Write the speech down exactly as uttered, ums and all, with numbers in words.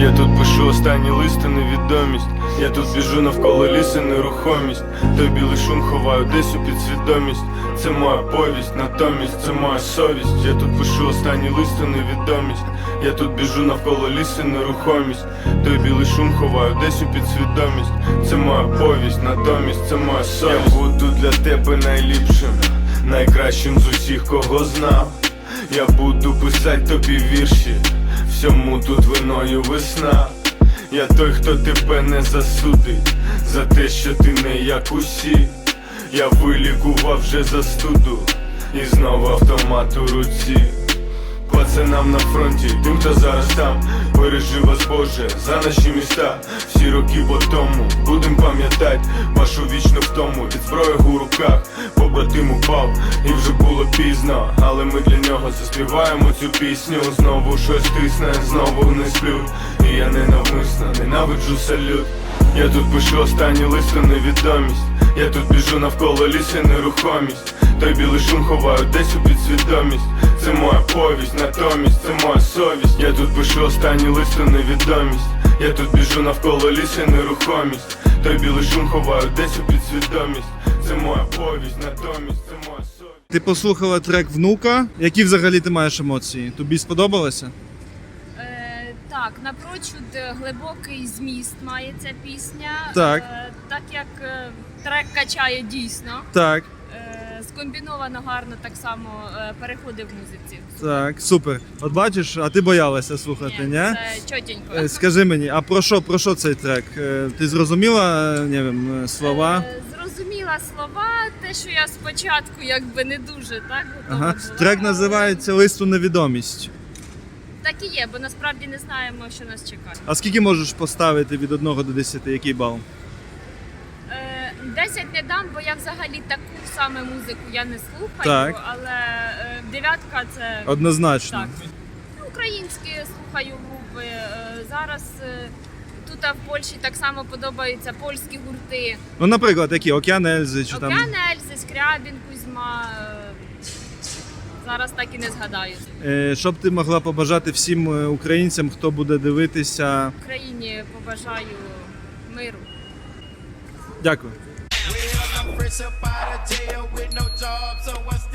Я тут пишу останні листи, невідомість. Я тут біжу навколо лісу, нерухомість. Той білий шум ховаю десь у підсвідомість. Це моя повість, натомість це моя совість. Я тут пишу останні листи, невідомість. Я тут біжу навколо лісу, нерухомість. Той білий шум ховаю десь у підсвідомість. Це моя повість, натомість це моя совість. Я буду для тебе найліпшим, найкращим з усіх, кого знав. Я буду писать тобі вірші, всьому тут виною весна. Я той, хто тебе не засудить за те, що ти не як усі. Я вилікував вже застуду і знову автомат у руці. Пацанам на фронті, тим, хто зараз там, бережи вас, Боже, за наші міста. Всі роки по тому будем пам'ятать вашу вічну втому від зброї у руках. Побратим упав і вже було пізно, але ми для нього заспіваємо цю пісню. Знову щось тисне, знову не сплю, і я ненавмисно ненавиджу салют. Я тут пишу останні листи, невідомість. Я тут біжу навколо лісу, нерухомість. Той білий шум ховаю десь у підсвідомість. Це моя повість, натомість це моя совість. Я тут пишу останні листи, невідомість. Я тут біжу навколо лісу, нерухомість. Той білий шум ховаю десь у підсвідомість. Це моя повість, натомість це моя совість. Ти послухала трек «Внука». Які взагалі ти маєш емоції? Тобі сподобалося? Е, так, напрочуд глибокий зміст має ця пісня. Так. Е, так як е, трек качає дійсно. Так. Е, скомбіновано гарно так само е, переходи в музиці. Так, супер. От бачиш, а ти боялася слухати, ні? Це чотенько. Е, Скажи мені, а про що, про що цей трек? Е, Ти зрозуміла, не wiem, слова? Е, зрозуміла слова, те, що я спочатку якби не дуже так готова Ага. була. Трек називається «Лист у невідомість». Так і є, бо насправді не знаємо, що нас чекає. А скільки можеш поставити від одного до десяти? Який бал? Е, десять не дам, бо я взагалі таку саме музику я не слухаю, Так. але е, дев'ятка це Однозначно. так. Українські слухаю групи. Е, зараз е, тут а в Польщі так само подобаються польські гурти. Ну, наприклад, які? «Океан Ельзи» чи там... Океан Ельзи, Скрябін, Кузьма. Е, зараз так і не згадаю. Е, Що б ти могла побажати всім е, українцям, хто буде дивитися? Україні побажаю миру. Дякую. I'm fresh up out of jail with no job, so I